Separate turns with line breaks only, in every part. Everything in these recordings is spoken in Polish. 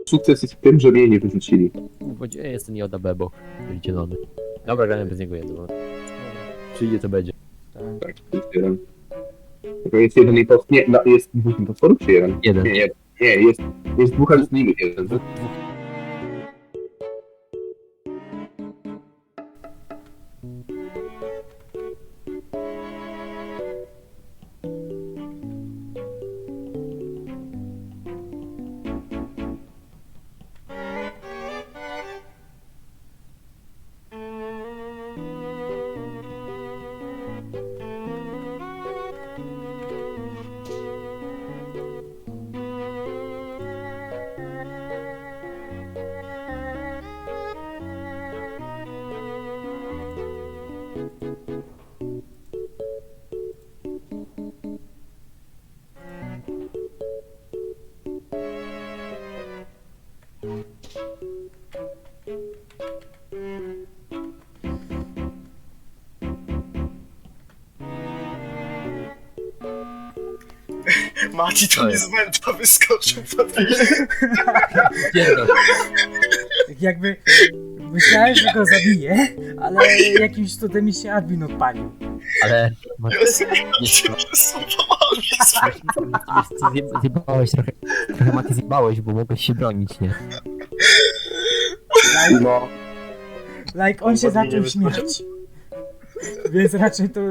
Sukces jest w tym, że mnie nie wyrzucili.
Gdzie jest ten Joda Bebo? Zielony. Dobra, gramy bez niego jedno. Przyjdzie to będzie.
Tak, jest jeden. Tylko jest jeden impostor. Nie, no, jest dwóch impostorów czy jeden?
Jeden.
Nie, jest dwóch, ale z nimi jeden.
Dwóch.
Mati to mi z męta wyskoczył.
Jakby myślałem, że go zabiję, ale jakimś cudem mi się admin odpalił.
Ale... Zjebałeś trochę, Mati zjebałeś, bo mogłeś się bronić, nie?
No,
Like, on się zaczął śmiać. Więc raczej to...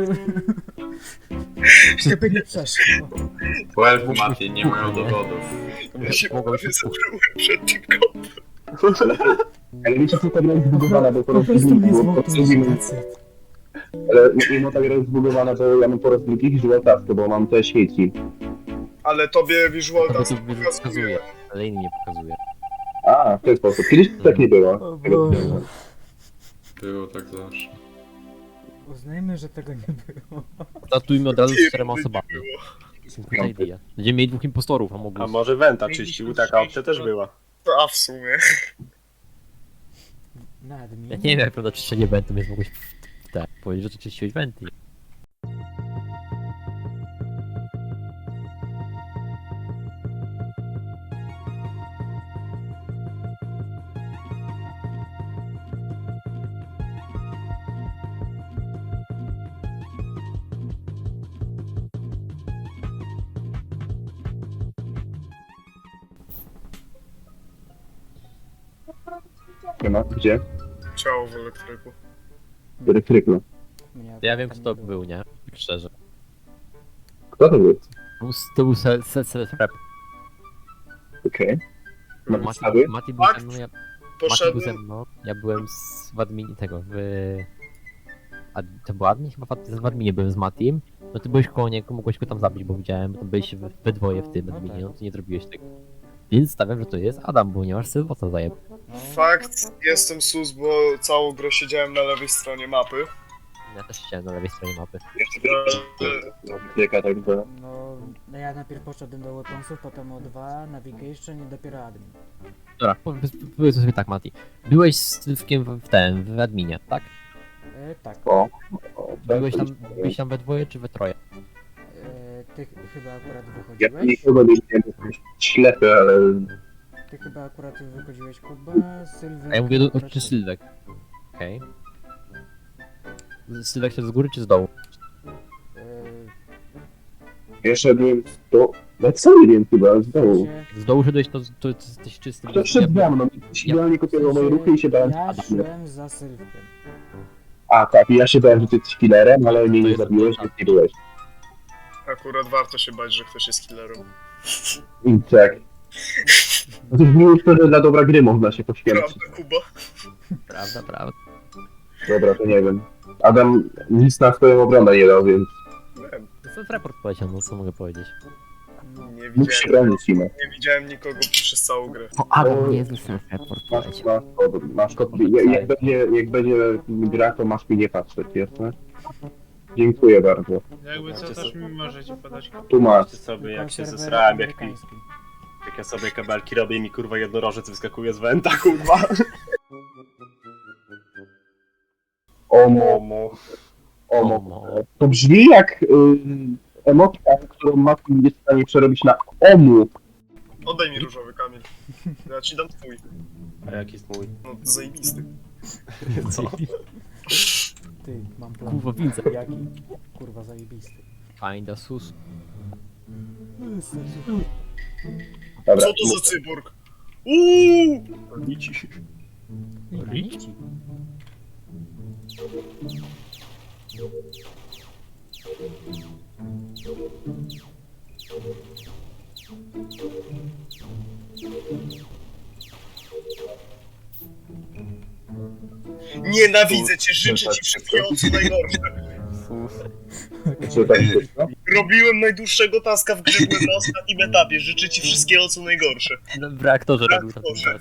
żeby nie przeszło.
Well, Mati, nie mają dowodów.
Ja się
Mogłeś
prawie
się
zakryłem przed tym kopem.
ale wiecie co, ta gra jest zbugowana, bo
Po prostu mnie zwołtuje.
ale mimo ta gra jest zbugowana, to ja mam po raz drugi visual task, bo mam te śmieci.
Ale tobie visual
To
task
to
pokazuje.
pokazuje, ale inni nie pokazuje.
A, w ten sposób. Kiedyś to tak nie było.
O Boże.
Było tak zawsze.
Uznajmy, że tego nie było.
Statujmy od razu z 4
Nie
osobami.
było.
Super idea. Będziemy mieli 2 impostorów, a mogło...
A może Wenta czyścił, taka opcja też była.
A w sumie.
Na admin.
Ja nie wiem jak prawda czyszczenie wentu, więc mogłeś... Tak, powiedzieć, że to czyściłeś wenty.
Nie ma? Gdzie?
Ciało w elektryku.
Elektryku.
Mnie
Ja wiem
tam
kto to
nie
był, nie? Tak szczerze.
Kto to był?
To był self-rep.
Okej. Na
Mati
podstawie?
Mati był
Fakt.
ze mną, Mati
Poszedłem.
był ze mną, ja byłem w adminie tego, to był admin? Chyba w adminie byłem z Matim. No ty byłeś koło niego, mogłeś go tam zabić, bo widziałem, bo tam byliście we dwoje w tym
No
adminie,
tak.
no to nie zrobiłeś tego. Więc stawiam, że to jest Adam, bo nie masz sylwota zajeb.
No,
Fakt, jestem sus, bo całą grę siedziałem na lewej stronie mapy.
Ja też chciałem na lewej stronie mapy.
Jaka tak była?
no ja najpierw poszedłem do weaponsów, potem O2, navigation i dopiero admin.
Dobra, powiedz sobie tak, Mati. Byłeś z Sylwkiem w adminie, tak?
Tak.
O,
Byłeś tam we dwoje czy we troje?
Ty chyba akurat
Ja
wychodziłeś.
nikogo nie widziałem, jestem ślepy, ale...
Ty chyba akurat wychodziłeś, Kuba, Sylwek...
A ja mówię
akurat
czy
ty.
Sylwek. Okej. Sylwek się z góry czy z dołu?
Ja szedłem do... Ja cały wiem chyba, z dołu.
Z dołu szedłeś, to jesteś czysty.
Kto szedł za mną? Ktoś idealnie kopiował moje ruchy i się bałem...
Ja szłem za Sylwkiem.
A tak, i ja się bałem, że ty jesteś killerem, ale mnie nie zabiłeś, więc nie byłeś.
Akurat warto się bać, że ktoś jest killerem.
I tak. No to brzmi to, że dla dobra gry można się poświęcić.
Prawda, Kuba?
Prawda.
Dobra, to nie wiem. Adam nic na swoją obronę nie dał, więc
Nie,
To jest raport powiedział, no co mogę powiedzieć.
nie
mógł się
widziałem,
bronić Sima.
nie widziałem nikogo przez całą grę.
O, Adam nie jest raport
Masz kod, jak będzie gra, to masz mi nie patrzeć, jasne? Dziękuję bardzo.
Jakby co, też mi możecie podać.
Tu masz.
Patrzcie sobie jak się
Serwer
zesrałem,
amerykański.
jak ja sobie kabelki robię i mi kurwa jednorożec wyskakuje z Wenta, kurwa.
Omo,
Omo.
omo. To brzmi jak emotka, którą Mati nie jest w stanie przerobić na omu.
Oddaj mi różowy, Kamil. Ja ci dam twój.
A jaki jest mój?
No, zajebisty.
Co?
Ty, mam plan.
Kurwa, widzę.
Jaki? Kurwa, zajebisty.
Kinda sus.
Dobra,
Co to za cyborg? Uuu!
Granici.
Nienawidzę cię, życzę ci wszystkiego co najgorsze.
co tak szybko?
Robiłem najdłuższego taska w grze, byłem na ostatnim etapie. Życzę ci wszystkiego co najgorsze.
W reaktorze robił to.
Reaktorze.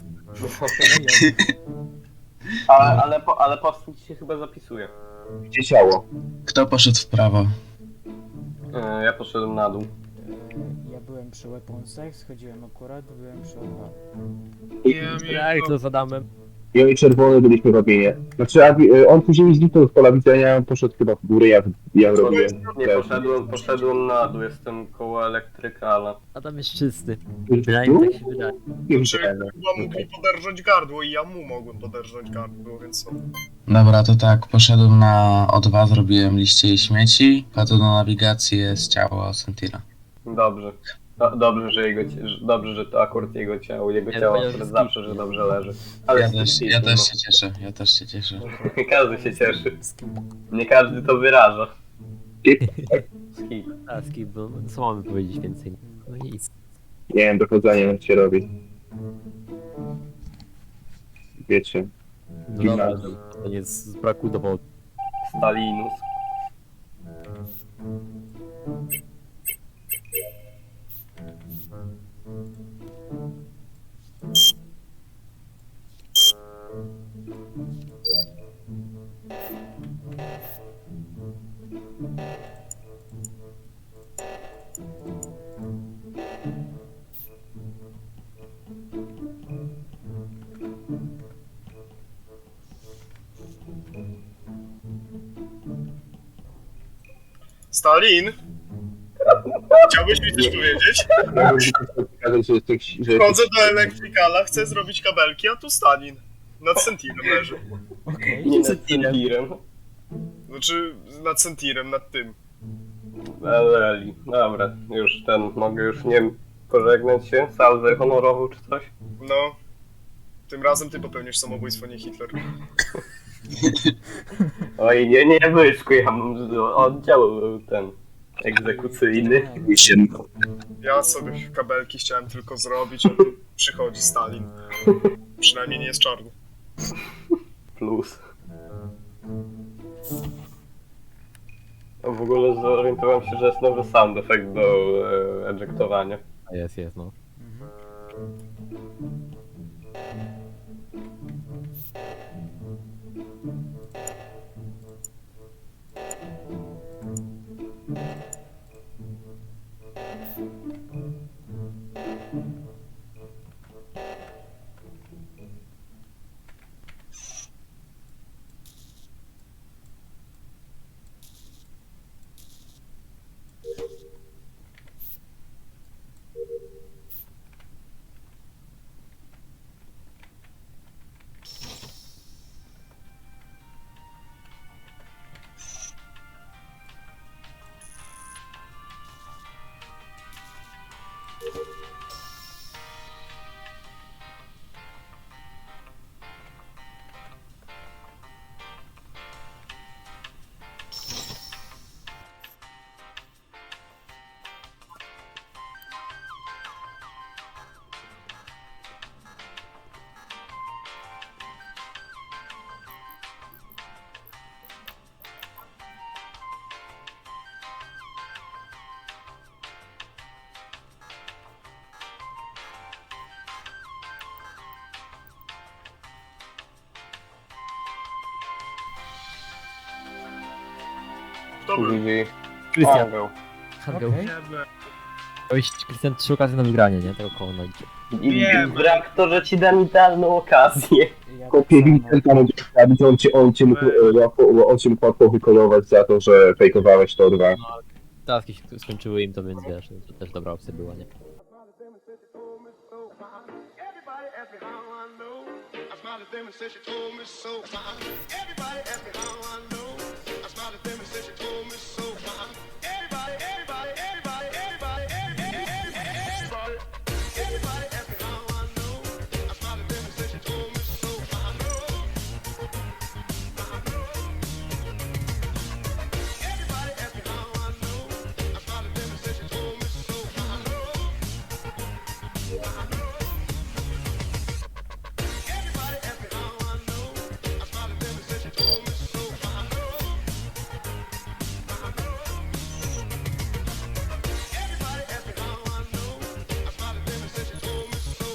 Ale powstać się chyba zapisuje.
Gdzie ciało?
Kto poszedł w prawo?
Ja poszedłem na dół.
Ja byłem przy weaponsach, schodziłem akurat, byłem przy O2.
Reaktor z Adamem.
Ja i czerwony byliśmy w robinie. Znaczy, on później zniknął z pola widzenia, poszedł chyba w górę, ja robiłem.
Nie, poszedłem na dół, jestem koło elektrykala.
Adam jest czysty.
Tu?
Przynajmniej tak się wydaje.
Nie
Czy
widziałem.
chyba mógł mi poderżnąć gardło i ja mu mogłem poderżnąć gardło, więc co?
Dobra, to tak, poszedłem na O2, zrobiłem liście i śmieci, potem na nawigację jest ciało Sentira.
Dobrze. Dobrze, dobrze, że to akurat jego ciało. Jego
Ja
ciało
powiem,
akurat
że
zawsze, że dobrze leży. Ale
Ja też się cieszę, ja też się cieszę.
Każdy się cieszy. Nie każdy to wyraża. Skip.
A, skip, bo co mamy powiedzieć więcej? No nic.
Nie wiem, dochodzenie jak się robi. Wiecie.
No dobra, to nie z braku dowodu.
Stalinus.
Stalin? Chciałbyś mi coś powiedzieć?
Mogłem pokazać, że jesteś... Że
Wchodzę do elektrykala, chcę zrobić kabelki, a tu Stalin. Nad Sentirem leży.
Okej.
Nie nad Sentirem.
Znaczy, nad Sentirem, nad tym.
Eli. Dobra, mogę już, nie wiem, pożegnać się? Salwę honorową czy coś?
No. Tym razem ty popełnisz samobójstwo, nie Hitler.
Oj, nie Byczku, ja mam oddział ten egzekucyjny.
Ja sobie kabelki chciałem tylko zrobić, a tu przychodzi Stalin. Przynajmniej nie jest czarny.
Plus. W ogóle zorientowałem się, że jest nowy sound effect do ejektowania.
Jest, no.
Kto był?
GG.
Krystian,
Paweł.
Hangel.
Okej.
Miałeś, Krystian, 3 okazje na wygranie, nie? Tego koło na licie.
Nie,
W reaktorze ci dam idealną okazję.
Ja
Kopię
tak samo.
Vincenta, będzie sprawić, on cię mógł łatwo wykolować za to, że fejkowałeś to dwa.
Taski się skończyły im to, więc wiesz, no, to też dobra opcja była, nie?
me how I know. I smiled at them and said she told me so. Everybody asked me how I know. I smiled at them and said she told me so. Everybody asked me how I know. I smiled at them and said she told me so. Everybody asked me how I know. I smiled at them and said she told me so. Everybody asked me how I know. I smiled at them and said she told me so. Everybody asked me how I know. I smiled at them and said she told me so.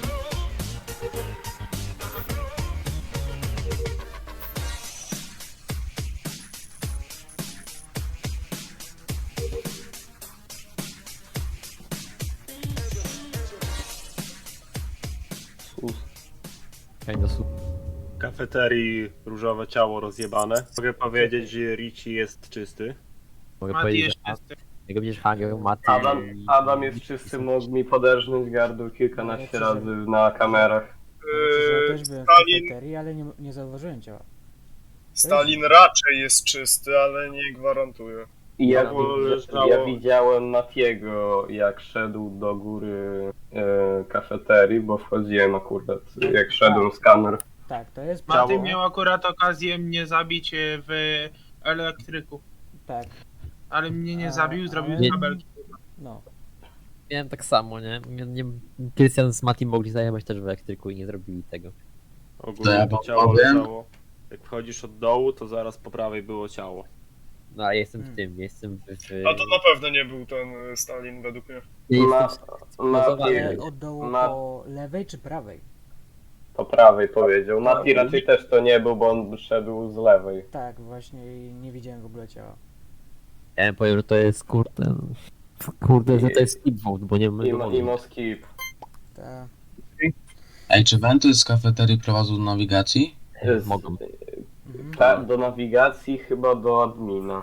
Kafeterii różowe ciało rozjebane. Mogę powiedzieć, że Richie jest czysty.
Mogę
Mati
powiedzieć,
jest
że
czysty.
jak będziesz Hanger, Mati...
Adam jest czysty, mógł mi poderżnąć gardło kilkanaście razy na kamerach.
Ja też byłem w
Stalin,
kafeterii, ale nie zauważyłem ciała.
Stalin raczej jest czysty, ale nie gwarantuję.
I ja,
No, leżało-
ja widziałem Matiego, jak szedł do góry kafeterii, bo wchodziłem akurat, jak szedłem z kamer.
Tak, to jest
Mati
prawda.
miał akurat okazję mnie zabić w elektryku.
Tak,
Ale mnie nie zabił, zrobił
ale-
kabelki.
no.
Miałem tak samo, nie? Krystian z Mati mogli zajebać też w elektryku i nie zrobili tego.
To ja
Ogólnie
wam
ciało
powiem.
leżało. Jak wchodzisz od dołu, to zaraz po prawej było ciało.
No a ja jestem w tym, jestem w...
A to na pewno nie był ten Stalin według mnie.
Ja
Ma,
jestem
Mati
Ale od dołu
Ma-
po lewej czy prawej?
po prawej powiedział. Mati raczej też to nie był, bo on szedł z lewej.
Tak, właśnie i nie widziałem w ogóle ciała.
Ja powiem, że to jest kurde... Kurde, że to jest skip vote, bo nie wiem...
Imo skip.
Ta,
Ej, czy wenty z kafeterii prowadzą do nawigacji?
Mogą.
mhm.
Tak, do nawigacji chyba do admina.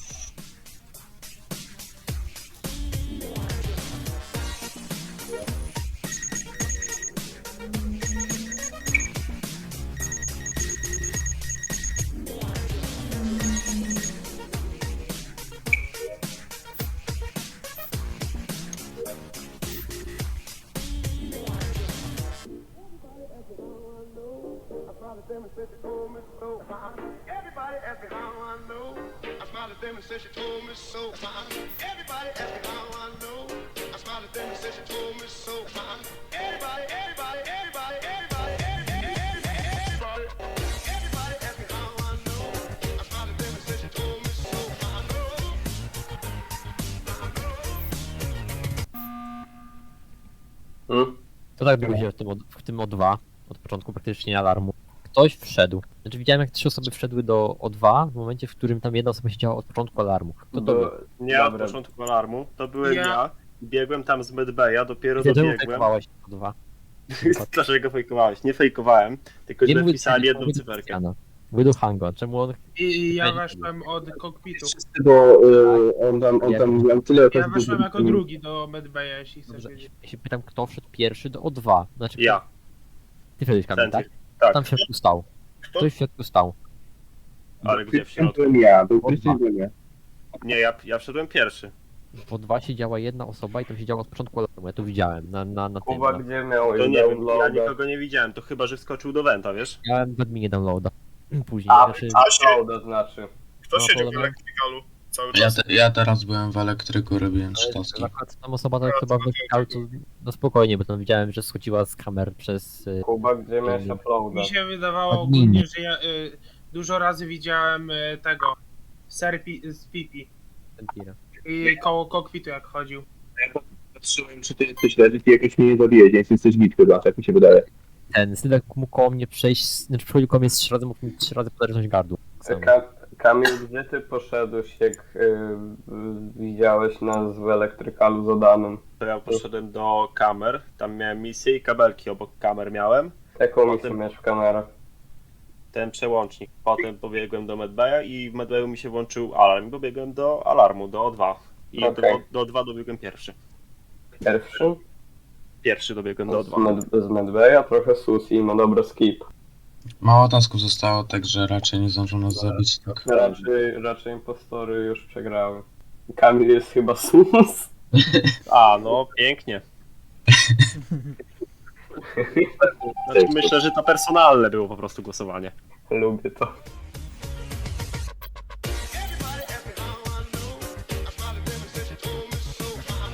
Everybody asked me how I know. I smiled at them and said she told me so. Everybody asked me how I know. I smiled at them and said she told me so. Everybody asked me how I know. I smiled at them and said she told me so.
To tak było się w tym O2, od początku praktycznie alarmu. Ktoś wszedł. Znaczy widziałem jak 3 osoby wszedły do O2 w momencie, w którym tam jedna osoba siedziała od początku alarmu. Kto to był?
Nie od
Dobra.
początku alarmu, to byłem
Ja-
ja. Biegłem tam z medbaya, dopiero
Czemu
dobiegłem.
fejkowałeś O2?
Dlaczego fejkowałeś? Nie fejkowałem, tylko źle
mówię
wpisali
do
jedną
Hango,
cyferkę.
Krystiana. Mówię do Hango, czemu on...
I ja weszłem od kokpitu.
Bo on tam miał tyle
Ja weszłem jako drugi do medbaya, jeśli chcesz
Dobrze,
wiedzieć.
ja się pytam, kto wszedł pierwszy do O2. Znaczy,
Ja.
Ty wszedłeś, Kamil, tak?
Tak.
Tam w środku stał.
Kto?
Ktoś w środku stał.
Ale gdzie w środku?
Byłem ja, był Krystian, byłem ja.
Nie, ja wszedłem pierwszy.
W O2 siedziała jedna osoba i tam siedziała od początku alarmu. Ja to widziałem na tym.
Kuba
Na...
gdzie miał
To nie wiem, ja
downloada?
nikogo nie widziałem, to chyba, że wskoczył do Wenta, wiesz?
Ja w adminie downloada. Później,
A,
znaczy...
uploada znaczy.
Kto
No,
siedział w
to-
elektrykalu cały
Ja,
czas?
ja teraz byłem w elektryku, robiłem 3 taski.
Akurat tam osoba tak chyba wypikał, to no spokojnie, bo tam widziałem, że schodziła z kamer przez...
Kuba gdzie miałeś uploada?
Mi się wydawało
Adminie.
ogólnie, że ja dużo razy widziałem tego z Pipi
Sentira.
i koło kokpitu jak chodził.
Patrzyłem, czy ty jesteś leży, ty jakoś mnie nie zabijesz, nie jesteś git chyba, tak mi się wydaje.
Ten Sydek mógł koło mnie przejść, znaczy przychodził koło mnie 3 razy, mógł mi 3 razy poderżnąć gardło. Tak samo.
Kamil, gdzie ty poszedłeś, jak widziałeś nas w elektrykalu z Adamem?
To ja poszedłem do kamer, tam miałem misję i kabelki obok kamer miałem.
Jaką misję
Potem-
miałeś w kamerach?
Ten przełącznik. Potem pobiegłem do medbaya i w medbayu mi się włączył alarm. Pobiegłem do alarmu, do O2. I
Okej.
do O2 dobiegłem pierwszy.
Pierwszy?
Pierwszy dobiegłem do
Z,
O2.
z Medbeja trochę sus i ma dobry skip.
Mało tasków zostało, także raczej nie zdążą nas zabić. Tak.
Raczej impostory już przegrały. Kamil jest chyba sus.
A, no pięknie. Znaczy, myślę, że to personalne było po prostu głosowanie.
Lubię to.
Everybody ask me how I know. I smiled at them and said she told me so.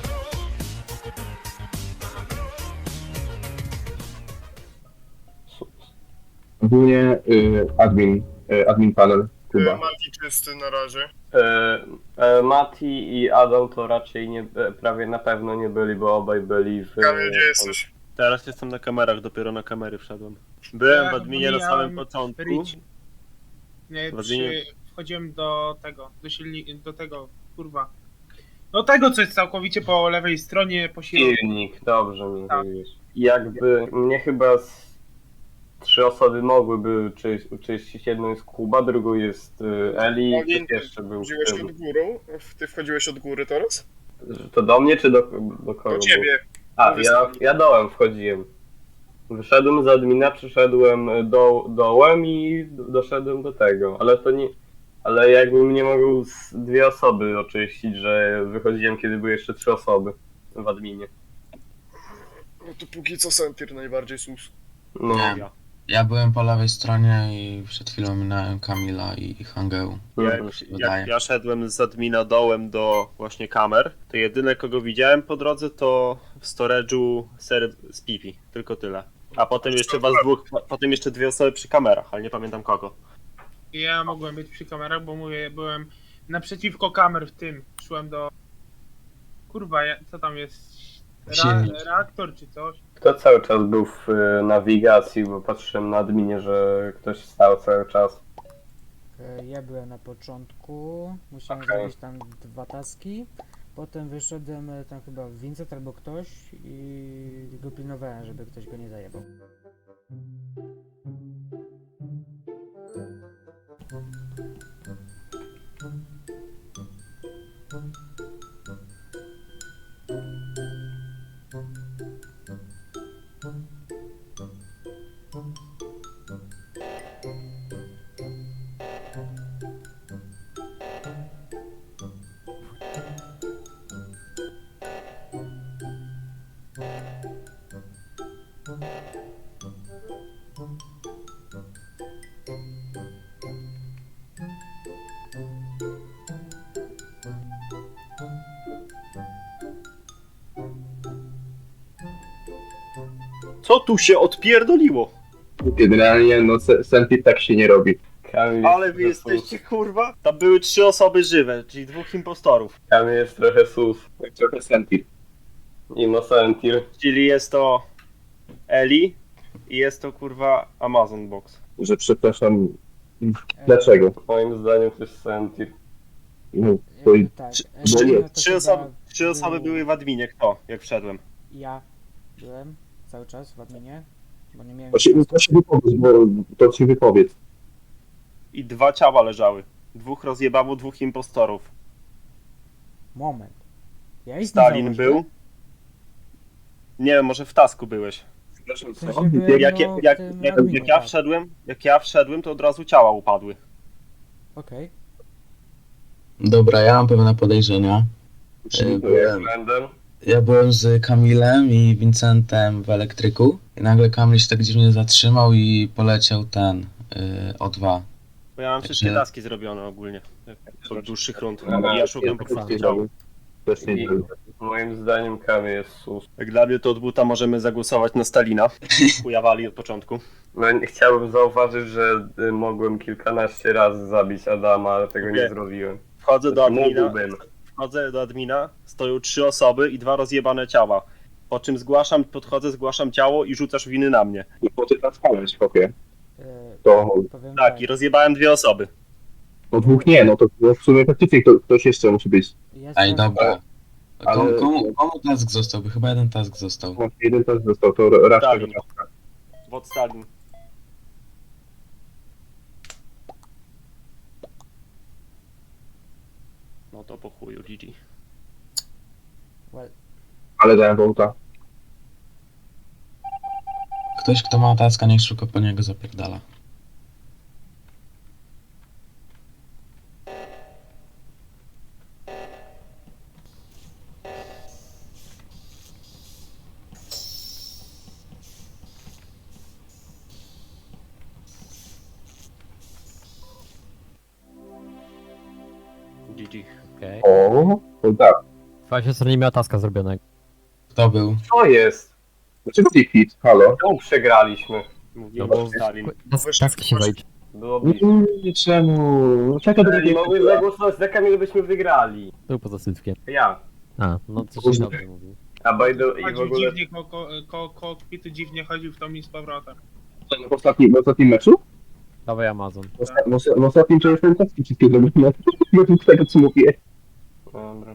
Sus.
Ogólnie admin panel, Kuba.
Mati czysty na razie.
Mati i Adam to raczej nie, prawie na pewno nie byli, bo obaj byli w...
Kamil, gdzie jesteś?
Teraz jestem na kamerach, dopiero na kamery wszedłem. Byłem w adminie na samym
pomijałem
początku.
Rich. Nie,
W adminie-
wchodziłem do tego, do tego, kurwa. Do tego, co jest całkowicie po lewej stronie, po środku.
Silnik, dobrze mi
Tak.
mówisz. Jakby mnie chyba z 3 osoby mogłyby czyścić. Jedną jest Kuba, drugą jest Eli,
Olin,
ktoś jeszcze był w
Wchodziłeś
tym.
od górą? Ty wchodziłeś od góry teraz?
To do mnie czy do kogo?
Do ciebie.
A,
Mówię
ja dołem wchodziłem. Wyszedłem z admina, przyszedłem dołem i doszedłem do tego, ale to nie... Ale jakbym nie mógł z 2 osoby oczyścić, że wychodziłem kiedy były jeszcze 3 osoby w adminie.
No to póki co Sentir najbardziej sus.
No,
Nie. Ja byłem po lewej stronie i przed chwilą minąłem Kamila i Hangeu.
Jak ja szedłem z admina dołem do właśnie kamer, to jedyne kogo widziałem po drodze to w storage'u ser z pipi. Tylko tyle. A potem jeszcze was dwóch, potem jeszcze 2 osoby przy kamerach, ale nie pamiętam kogo.
Ja mogłem być przy kamerach, bo mówię, byłem naprzeciwko kamer w tym. Szłem do... Kurwa, co tam jest?
Silnik.
Reaktor czy coś?
Kto cały czas był w nawigacji, bo patrzyłem na adminie, że ktoś stał cały czas.
Ja byłem na początku, musiałem
Okej.
zrobić tam 2 taski. Potem wyszedłem tam chyba Vincent albo ktoś i go pilnowałem, żeby ktoś go nie zajebał.
Co tu się odpierdoliło?
Generalnie, no Sentit tak się nie robi.
Kamil
Ale
jest
wy
trochę
jesteście kurwa? Tam były 3 osoby żywe, czyli 2 impostorów.
Kamil jest trochę sus.
Tak trochę Sentit.
Innocentir.
Czyli jest to Eli i jest to kurwa Amazon Box.
Że przepraszam, dlaczego?
Moim zdaniem to jest Sentir.
No, to i-
Tak,
bo nie,
no to
Trzy
chyba
osoby
był-
były w adminie, kto? Jak wszedłem.
Ja byłem cały czas w adminie, bo nie miałem...
to się wypowiedz, bo to się wypowiedz.
I 2 ciała leżały. 2 rozjebało 2 impostorów.
Moment. Ja istniałem.
Stalin był. Nie wiem, może w tasku byłeś.
Przepraszam,
W sensie byłem,
Jak
no, w tym adminie,
jak ja wszedłem, to od razu ciała upadły.
Okej.
Dobra, ja mam pewne podejrzenia. Ja byłem z Kamilem i Vincentem w elektryku i nagle Kamil się tak dziwnie zatrzymał i poleciał ten O2.
Bo ja mam wszystkie
Także-
taski zrobione ogólnie. Od dłższych rund.
Aha,
I ja szukam po prostu ciał.
Też nie
I
wiem.
moim zdaniem Kamil jest sus.
Jak dla mnie to od buta możemy zagłosować na Stalina. Chujawali od początku.
No, chciałbym zauważyć, że mogłem kilkanaście razy zabić Adama, ale tego nie
Okej.
zrobiłem.
Wchodzę do admina,
Mógłbym.
stoją 3 osoby i 2 rozjebane ciała. Po czym podchodzę, zgłaszam ciało i rzucasz winy na mnie.
I po ty tam spałeś, chłopie.
E,
To
Powiem
Tak, i rozjebałem 2 osoby.
no 2 nie, no to w sumie faktycznie ktoś jeszcze musi być.
Ja
Ej,
sprawdzę-
dobra.
Ale-
Komu task został? Bo chyba jeden task został.
Właśnie jeden też został, to raczej.
Stalin. Wod Stalin. No to po chuju, GG.
Well,
Ale dałem wołta.
Ktoś, kto ma taska, niech szybko po niego zapierdala.
GG. Okej.
O, to tak.
Twoja siostra nie miała taska zrobionego.
Kto był?
Co jest?
Dlaczego ty hit? Halo?
Czemu przegraliśmy?
Mówiłem,
No bo
że Stalin.
taski się wejdzie.
Było blisko.
Czemu? Czekaj, do
Nie mogły zagłosować za Kamil, byśmy wygrali.
Był poza sytkiem.
Ja.
A, no to się dobrze mówił.
A by the... i w
Chodził
ogóle...
dziwnie, kokpitu dziwnie chodził w tą i z powrotem.
w ostatnim meczu?
Dawaj Amazon.
W ostatnim to jestem taski wszystkie zrobione. Według tego, co mówię.
Dobra.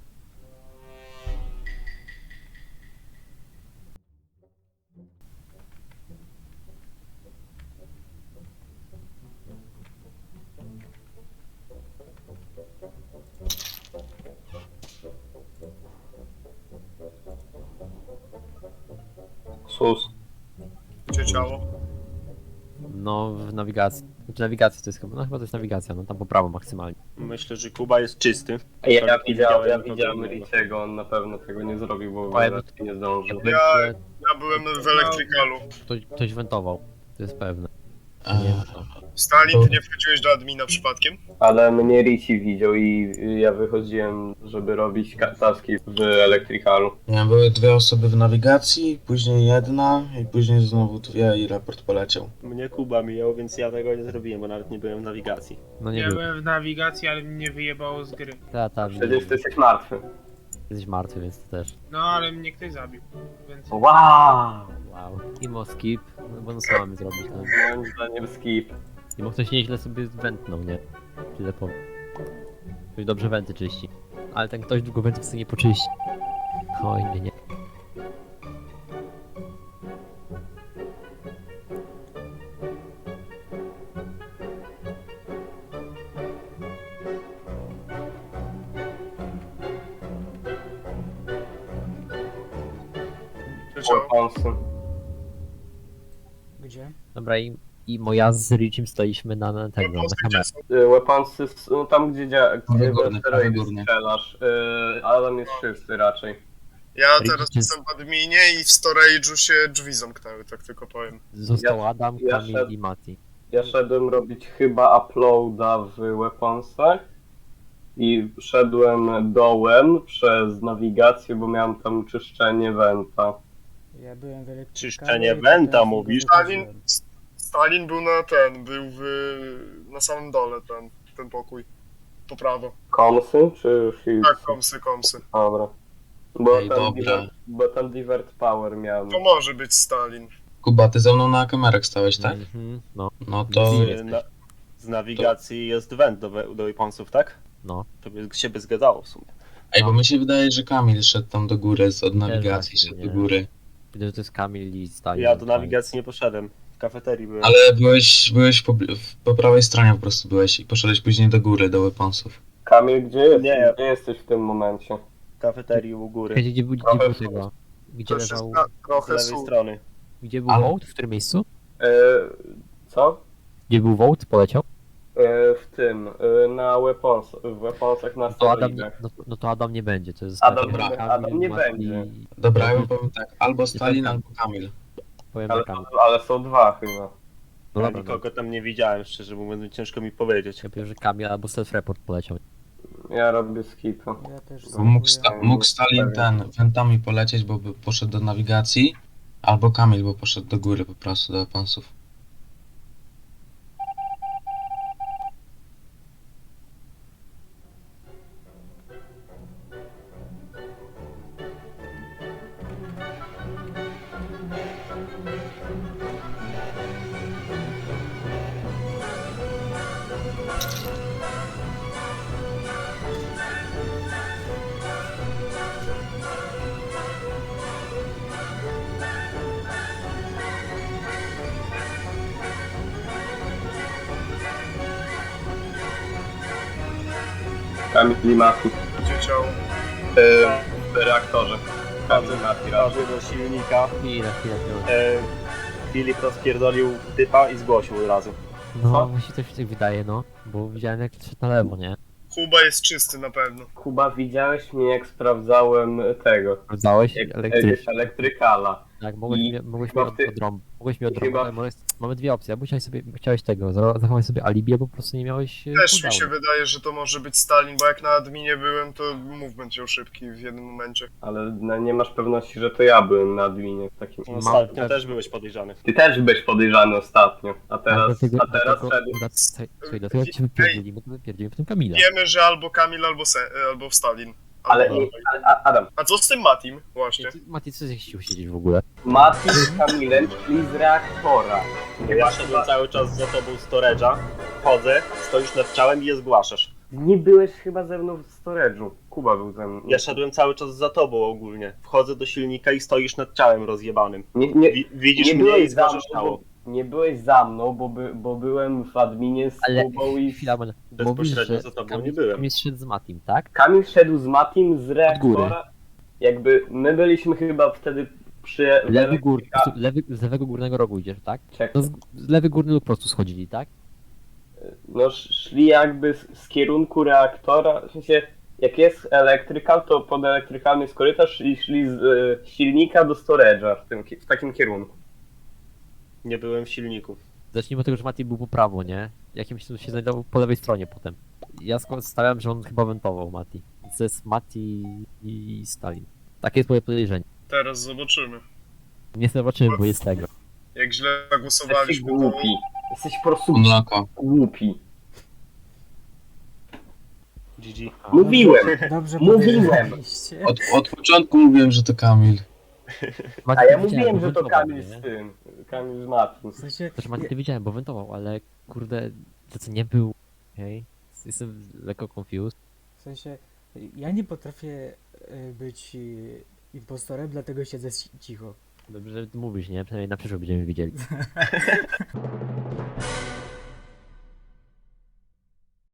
Sus.
Gdzie ciało?
No, w nawigacji. Znaczy nawigacja to jest chyba, no chyba to jest nawigacja, no tam po prawo maksymalnie.
Myślę, że Kuba jest czysty.
Ja
Nie
widziałem
nikogo innego.
Riciego, on na pewno tego nie zrobił, bo
Powiem-
nie zdążył.
Ja byłem w elektrykalu.
Ktoś wentował, to jest pewne.
Eee,
Nie wiem co.
Stalin, ty nie wchodziłeś do admina przypadkiem?
Ale mnie Ricci widział i ja wychodziłem, żeby robić taski w elektrykalu.
nie, były dwie osoby w nawigacji, później jedna i później znowu dwie i raport poleciał.
Mnie Kuba mijał, więc ja tego nie zrobiłem, bo nawet nie byłem w nawigacji.
No nie
Ja
był.
byłem w nawigacji, ale mnie wyjebało z gry.
Przecież ty jesteś martwy.
Jesteś martwy, więc to też.
No ale mnie ktoś zabił, więc...
Wow!
Wow. Imo skip, no bo no co mamy zrobić, no.
Moim zdaniem skip.
I mógł ktoś nieźle sobie wentnął, nie? Tyle powiem. Ktoś dobrze wenty czyści. Ale ten ktoś długo wentów sobie nie poczyści. Oj, nie.
Gdzie ciało?
Weaponsy.
Gdzie?
Dobra, i moja z Richim stoiliśmy na tego, na kamerze.
Weaponsy, no tam gdzie
Prawy górny, prawy
steroidy
górny.
strzelasz, ale tam jest czysty raczej.
Ja
Rick
teraz
jest-
jestem w adminie i w storage'u się drzwi zamknęły, tak tylko powiem.
Został Adam,
ja
Kamil
szedł-
i Mati.
Ja szedłem robić chyba uploada w Weaponsach i szedłem dołem przez nawigację, bo miałem tam czyszczenie wenta.
Ja byłem w elektrykalu.
Czyszczenie
i
wenta,
potem
mówisz?
wychodziłem.
Stalin był na samym dole ten pokój. Po prawo.
Komsy czy Shields?
Tak, komsy.
Dobra. Bo
Ej,
tam,
dobra.
bo tam Divert Power miałem.
To może być Stalin.
Kuba, ty ze mną na kamerach stałeś, tak?
Mhm, no,
No to...
Z nawigacji jest went do weaponsów, tak?
no.
To by się by zgadzało w sumie.
Ej, bo mi się wydaje, że Kamil szedł tam do góry, od nawigacji
właśnie,
szedł
nie.
do góry.
Widzę, że to jest Kamil i Stalin.
Ja do nawigacji nie poszedłem. W kafeterii byłem.
Ale byłeś po prawej stronie po prostu byłeś i poszedłeś później do góry, do weaponsów.
Kamil, gdzie jesteś?
Nie.
Gdzie jesteś w tym momencie?
W kafeterii u góry.
Gdzie był tego? Gdzie
To się
leżał...
Z
trochę
lewej strony.
Gdzie był
Ale-
Vołt? W którym miejscu?
Co?
Gdzie był Vołt? Poleciał?
W tym, w Weaponsach na
To Adam,
steroidach.
no to Adam nie będzie, to jest
Adam
Kamil,
nie- Adam nie
Mati-
będzie.
Dobra, ja bym powiem tak, albo Stalin,
tak.
albo Kamil.
Powiem
Ale,
na Kamil.
ale są dwa chyba.
No
Ja
dobra, no.
nikogo tam nie widziałem, szczerze mówiąc, ciężko mi powiedzieć.
Ja powiem, że Kamil albo self-report poleciał.
Ja robię skipy.
Ja też
Bo mógł,
spróbuję.
mógł Stalin wentami polecieć, bo by poszedł do nawigacji, albo Kamil, bo poszedł do góry po prostu, do weaponsów.
Kamil i Mati.
Gdzie ciało?
W reaktorze. Kamil i Mati razem.
Prawy do silnika.
Chwilę.
E, Filip rozpierdolił typa i zgłosił od razu.
No, mi się coś tak wydaje, no. Bo widziałem jak szedł na lewo, nie?
Kuba jest czysty na pewno.
Kuba, widziałeś mnie jak sprawdzałem tego,
Sprawdzałeś
elektrykala.
Tak,
I
mogłeś
chyba
mnie
ty-
odrąbać. Mogłeś mnie
chyba-
odrąbać. Mamy dwie opcje. Albo chciałeś tego, zachować sobie alibi, albo po prostu nie miałeś
Też mi
cooldownu.
się wydaje, że to może być Stalin, bo jak na adminie byłem, to movement był szybki w jednym momencie.
Ale no, nie masz pewności, że to ja byłem na adminie w takim.
No, ostatnio też byłeś podejrzany.
Ty też byłeś podejrzany ostatnio, a
Tak,
teraz szedł.
Słuchaj, dlatego cię wypierdzili, bo wypierdzili potem Kamila.
Wiemy, że albo Kamil, albo Stalin.
Ale
Albo-
Adam,
A co z tym Matim? Właśnie.
Mati, co ty chciał siedzieć w ogóle?
Mati z Kamilem szli z reaktora.
Ja szedłem cały czas za tobą storage'a, wchodzę, stoisz nad ciałem i je zgłaszasz.
Nie byłeś chyba ze mną w storage'u. Kuba był ze mną.
Ja szedłem cały czas za tobą ogólnie. Wchodzę do silnika i stoisz nad ciałem rozjebanym.
Nie
Widzisz
nie
mnie i
byłeś za mną,
zgłaszasz ciało.
nie byłeś za mną, bo byłem w adminie z
Ale
Kubą i...
chwila, mówisz,
Bezpośrednio
że
za tobą
Kamil,
nie byłem.
Kamil szedł z Matim, tak?
Kamil szedł z Matim z
góry.
reaktora. Jakby my byliśmy chyba wtedy przy...
Z lewego górnego rogu idziesz, tak?
Czekaj.
No z lewy górny lub po prostu schodzili, tak?
No szli jakby z kierunku reaktora, w sensie jak jest elektrykal, to pod elektrykalny jest korytarz i szli z silnika do storage'a w takim kierunku.
Nie byłem w silniku.
Zacznijmy od tego, że Mati był po prawo, nie? Jakimś cudem się znajdował po lewej stronie potem. Ja stawiam, że on chyba wentował Mati. To jest Mati i Stalin. Takie jest moje podejrzenie.
Teraz zobaczymy.
Nie zobaczymy, bo jest tego.
Jak źle
Jesteś
zagłosowaliśmy, to...
głupi. Jesteś po prostu
Mleko.
głupi.
GG.
Mówiłem!
Dobrze
Mówiłem.
podejrzeliście.
Od początku mówiłem, że to Kamil.
Mati,
A ja
to
mówiłem,
bo
że to
wentował,
Kamil
nie?
z tym. Kamil z Matim.
W sensie,
Też Mati to widziałem, bo wentował, ale kurde, to co nie był. Okej. Jestem lekko confused.
w sensie, ja nie potrafię być impostorem, dlatego siedzę cicho.
Dobrze, że mówisz, nie? Przynajmniej na przyszłość będziemy widzieli.